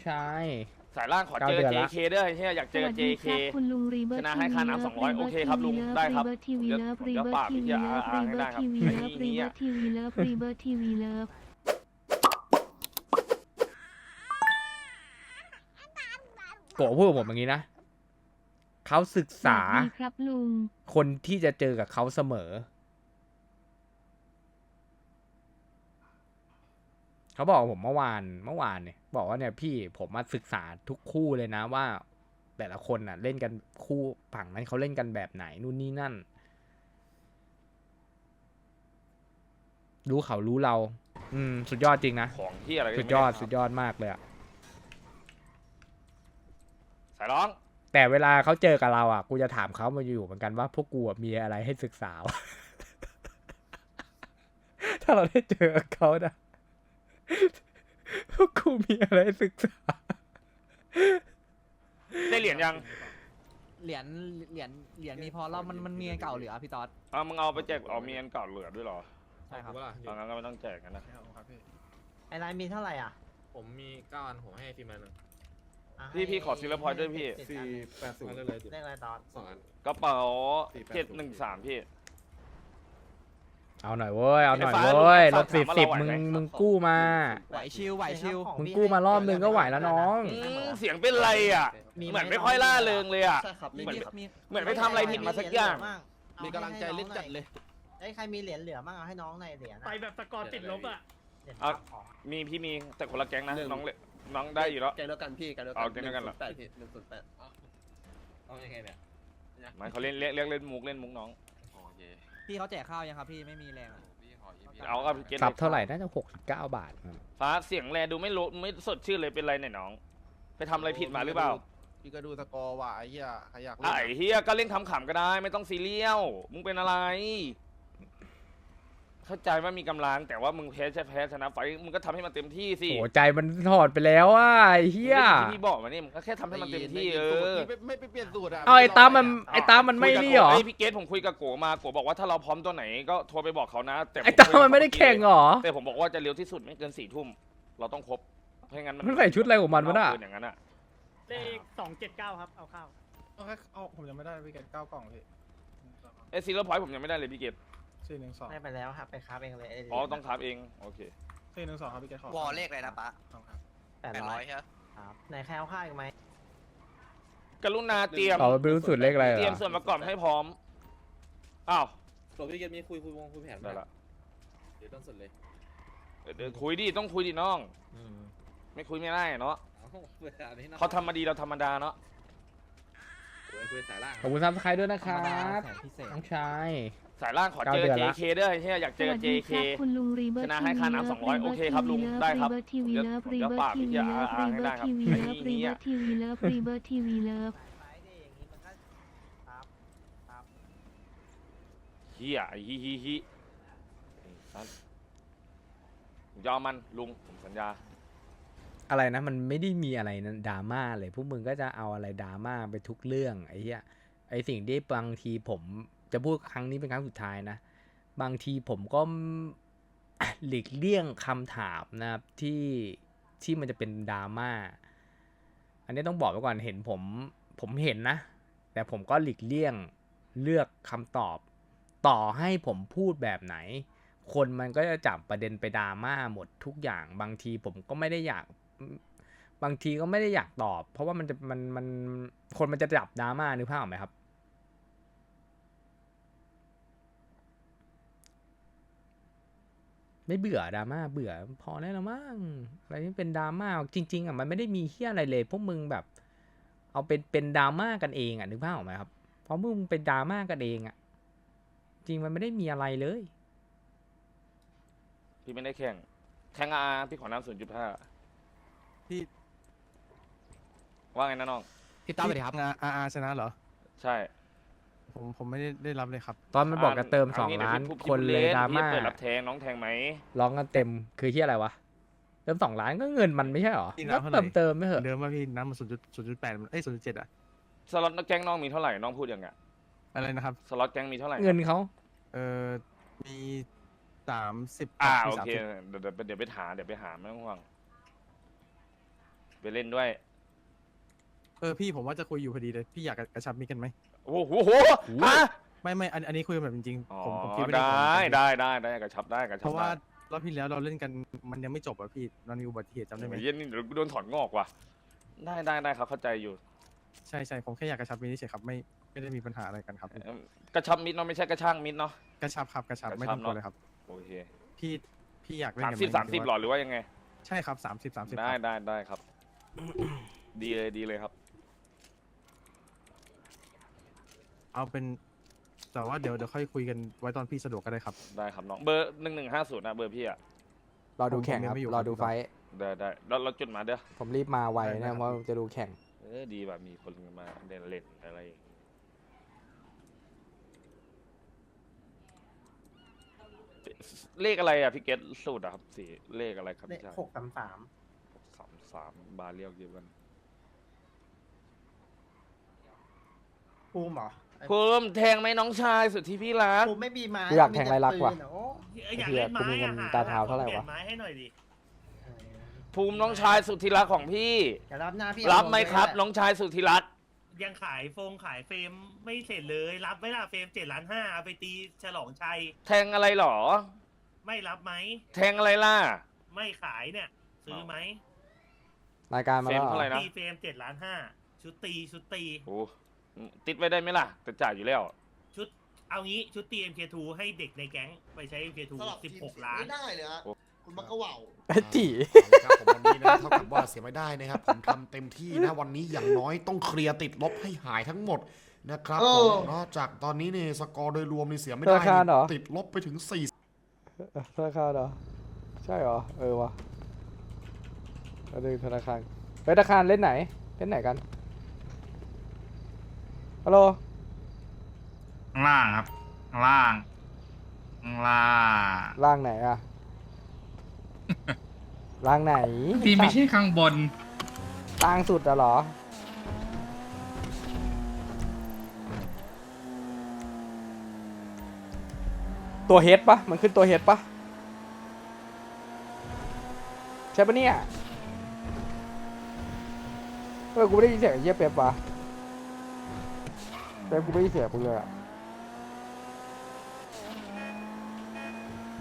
ชายสายล่างขอเจอ JK ด้วยเฮียอยากเจอ JK คุณลุงรีเบิร์ชตนะให้ค่าน้ำ200โอเคครับลุงได้ครับทีวีเลิฟผมรีจะเบิปร์ราตบทีพี่วีจะเลิฟอารีให้เบิได้ร์ตครับทีวีไอ้เลิฟรีนี้เบิร์ตทีวีเลิฟรีเบิร์ตทีวีเลิฟโกพูดกับผมอย่างนี้นะเขาศึกษาสวัสดีครับลุงคนที่จะเจอกับเขาเสมอเขาบอกผมเมื่อวานเนี่ยบอกว่าเนี่ยพี่ผมมาศึกษาทุกคู่เลยนะว่าแต่ละคนน่ะเล่นกันคู่ฝั่งนั้นเขาเล่นกันแบบไหนนู่นนี่นั่นรู้เขารู้เราสุดยอดจริงนะของที่อะไรสุดยอดมากเลยอะสายร้องแต่เวลาเขาเจอกับเราอ่ะกูจะถามเขามาอยู่เหมือนกันว่าพวกกูอะมีอะไรให้ศึกษา ถ้าเราได้เจอกับเขานะ พวกกูมีอะไรให้ศึกษาได้เหรียญยังเหรียญมีพอแล้วมันมีอันเก่าเหลือพี่ต๊อดมึงเอาไปแจกมีอันเก่าเหลือด้วยเหรอใช่ครับเอางั้นก็ไม่ต้องแจกกันนะไอ้ไลน์มีเท่าไหร่อ่ะผมมี9 อันผมให้ทีมงานหนึ่งพี่ขอซิลเลอร์พอยต์ด้วยพี่ 480เลยเลขอะไรตอน 2 อันกระเป๋า713พี่เอาหน่อยเว้ยเอาหน่อยไอ้ฟ้าเว้ยลุลงบถามว่าเราไหวไหมมึงกู้มาไหวชิวไหวชิวมึงกู้มารอบนึงก็ไหวแล้วน้องเสียงเป็นไรอ่ะเหมือนไม่ค่อยล่าเริงเลยอ่ะใช่ครับเหมือนมีเหมือนไปทำอะไรผิดมาสักอย่างมีกำลังใจเล่นจัดเลยไอ้ใครมีเหรียญเหลือบ้างเอาให้น้องหน่อยเหรียญไปแบบสกอร์ติดลบอ่ะเหรียญเอาของพี่มีแต่คนละแก๊งนะน้องเลยน้องได้อยู่แล้วแกงเดียวกันพี่แกงเดียวกัเอาแก๊งเดียวกันเหรอ 108พี่108เอายังไงเนี่ยไม่เขาเล่นเรียกเล่นมุกน้องโอเคพี่เขาแจกข้าวยังครับพี่ไม่มีแรงอะพี่ขออีพีเอาก็พี่เกตปรับเท่าไหร่น่าจะ69 บาทฟ้าเสียงแรดูไม่รู้ไม่สดชื่นเลยเป็นไรเนี่ยน้อง ไปทำอะไรผิดมาหรือเปล่าพี่ก็ดูสกอร์ว่ะไอ้เหี้ยใครอยากเล่นไอ้เฮียก็เล่นขำๆก็ได้ไม่ต้องซีเรียลมึงเป็นอะไร เข้าใจว่ามีกำลังแต่ว่ามึงแพ้ชนะไฟมึงก็ทำให้มันเต็มที่สิโอ้ใจมันถอดไปแล้วอ่ะไอ้เหี้ยที่พี่บอกมานี่มึงก็แค่ทำให้มันเต็มที่ไม่ไปเปลี่ยนสูตรอ่ะเอาไอ้ตามมันไม่นี่หรอไอพี่เกตผมคุยกับโกมาโกบอกว่าถ้าเราพร้อมตัวไหนก็โทรไปบอกเขานะแต่ไอ้ตามมันไม่ได้แข่งหรอแต่ผมบอกว่าจะเร็วที่สุดไม่เกิน4 ทุ่มเราต้องครบเพราะงั้นมันใส่ชุดอะไรของมันวะน่ะอย่างนั้นอ่ะเลข279 ครับ เอาเข้าเอาผมยังไม่ได้พี่เกต9 กล่องพี่ไอซีโร่พอยต์ผมยังไม่ได้เลยพี่เกต 412 ได้ไปแล้วครับไปค้าเองเลยไเหรียญอ๋อต้องทับเองโอเค 412ครับพี่เกตขอวอลเลขอะไรนะปะครับ 800 ใช่ไหมครับไหนใครเอาข้าวอีกไหมกรุณาเตรียมเอาไปรู้สุดเลขอะไรเหรเตรียมอส่วนประกอบให้พร้อมอ้าวตัวพี่เกมมีคุยแผนได้ละเดี๋ยวต้องสุดเลยเดี๋ยวคุยดิต้องคุยดิน้อง ไม่คุยไม่ได้เนาะเวลานี้นะเขาทำมาดีเราธรรมดาเนาะคุยสายล่างขอบคุณซับสไครต์ด้วยนะคธรรัรมดาบแสนพิเศษน้องชายสายล่างขอเจอ 9 เดือนละ JK ด้วยเฮียอยากเจสอวัสดีค JK รับคุณลุงรีเบิร์ตชนะให้ค่าน้ำ200โอเคครับลุงได้ครับทีวีเลิฟรีเบิร์ตทีวีเลิฟรีเบิร์ตทีวีเลิฟรีเบิร์ตทีวีเลิฟรีเบิร์ตทีวีเลิฟไปดิอย่างนี้มันก็ครับครับเฮียไอ้ฮิยอมมันลุงผมสัญญาอะไรนะมันไม่ได้มีอะไรนะดราม่าเลยพวกมึงก็จะเอาอะไรดราม่าไปทุกเรื่องไอ้เหี้ยไอ้สิ่งที่บางทีผมจะพูดครั้งนี้เป็นครั้งสุดท้ายนะบางทีผมก็ หลีกเลี่ยงคำถามนะครับที่มันจะเป็นดราม่าอันนี้ต้องบอกไว้ก่อนเห็นผมเห็นนะแต่ผมก็หลีกเลี่ยงเลือกคำตอบต่อให้ผมพูดแบบไหนคนมันก็จะจับประเด็นไปดราม่าหมดทุกอย่างบางทีผมก็ไม่ได้อยากบางทีก็ไม่ได้อยากตอบเพราะว่ามันคนมันจะจับดราม่านึกภาพออกไหมครับไม่เบื่อดราม่าเบื่อพอแล้วมั้งอะไรที่เป็นดราม่าจริงๆอ่ะมันไม่ได้มีเหี้ยอะไรเลยพวกมึงแบบเอาเป็นดราม่ากันเองอ่ะนึกภาพออกไหมครับเพราะมึงเป็นดราม่ากันเองอ่ะจริงมันไม่ได้มีอะไรเลยพี่ไม่ได้แข่งพี่ขอน้ำ0.5 พี่ว่าไงนะน้องพี่ต๊อดสวัสดีครับชนะเหรอใช่ผมไม่ได้รับเลยครับตอนมันบอกจะเติม2 ล้านคนเลยดราม่าเปิดรับแทงน้องแทงไหมร้องกันเต็มคือที่อะไรวะเติม2 ล้านก็เงินมันไม่ใช่หรอพี่ก็น้ำเท่าไหร่เติมไม่เหอะเดิมว่าพี่น้ำมัน0.8 0.7 อ่ะสล็อตแก๊งน้องมีเท่าไหร่น้องพูดยังไงอะไรนะครับสล็อตแก๊งมีเท่าไหร่เงินเขามี30 โอเคเดี๋ยวไปหาไม่ต้องห่วงไปเล่นด้วยพี่ผมว่าจะคุยอยู่พอดีเลยพี่อยากกระชับมิตรกันไหมโอ้โหฮะไม่อันนี้คุยกันแบบจริงอ๋อๆผมคิดไม่ได้ได้ได้กระชับได้กระเพชับราะได้ว่ารอบที่แล้วเราเล่นกันมันยังไม่จบอะพี่มันมีอุบัติเหตุจำได้ไหมเย็นนี่เดี๋ยวกูโดนถอนงอกว่ะได้ครับเข้าใจอยู่ใช่ผมแค่อยากกระชับมิตรเฉยๆครับไม่ได้มีปัญหาอะไรกันครับกระชับมิดเนาะไม่ใช่กระช่างมิดเนาะกระชับครับกระชับกระชับไม่ต้องกลัวเลยครับโอเคพี่อยากเล่นสามกันสิบไห 30หรอหรือว่ายังไงใช่ครับ30 ได้ครับ ดีเลยครับเอาเป็นแต่ว่าเดี๋ยวค่อยคุยกันไว้ตอนพี่สะดวกก็ได้ครับได้ครับน้องเบอร์1150นะเบอร์พี่อะรอดูแข่งครับผมยังไม่อยู่รอดูครับไฟท์ได้เราจุดมาเด้อผมรีบมาไวได้นะครับ เพราะจะดูแข่งดีแบบมีคนมาเล่นอะไรอย่างงี้เลขอะไรอะพี่เกตสูตรอะครับสี่เลขอะไรครับเลขพี่ชาย 633 633บาร์เรียกเดียวกันภูมิเหรอเพิ่มแทงไหมน้องชายสุดที่พี่รักภูมิไม่มีไม้กูอยากแทงไรลักษณ์ว่ะมีแต่ปืนอโอ้อยากเหี้ยเล่นไม้กูมีเงินอะตาเท้าเท่าไหร่วะปลี่ยนไม้ให้หน่อยดิเออภูมิน้องชายสุดที่รักของพี่เดี๋ยวรับหน้าพี่รับไหมครับเอาลงน้องชายสุดที่รักยังขายเฟรมไม่เสร็จเลยรับไหม่ล่ะเฟรม7,500,000เอาไปตีฉลองชัยแทงอะไรหรอไม่รับไหมแทงอะไรล่ะไม่ขายเนี่ย ซื้อไหมรายการมาเฟรแล้วมเหรเท่าไหร่อนะตีเฟรม7,500,000ชุดตีโอ้ติดไว้ได้ไหมล่ะจะจ่ายอยู่แล้วชุดเอางี้ชุดตี MK2 ให้เด็กในแก๊งไปใช้ MK2 สลับทีม 16 ล้านไม่ได้เลยฮะคุณมักกะเหว่าไอ้จีครับผมวันนี้นะเท่ากับว่าเสียไม่ได้นะครับผมทำเต็มที่นะวันนี้อย่างน้อยต้องเคลียร์ติดลบให้หายทั้งหมดนะครับผมเนาะจากตอนนี้เนี่ยสกอร์โดยรวมนี่เสียไม่ได้ธนาคารเหรอติดลบไปถึง4 ธนาคารเหรอ ใช่เหรอ วะแล้วดูธนาคารเฮ้ยธนาคารเล่นไหนกัน ฮัลโหลข้างล่างครับ ข้างล่าง ข้างล่างล่างไหนอะ ล่างไหนที่ไม่ใช่ข้างบนล่างสุดอะเหรอ ตัวเฮดปะมันขึ้นตัวเฮดปะใช่ปะเนี่ยกูไม่ได้ยินเสียงไอ้เหี้ยเป๊ปวะเป๊ปกูไม่ได้ยินเสียงกูเลยอะ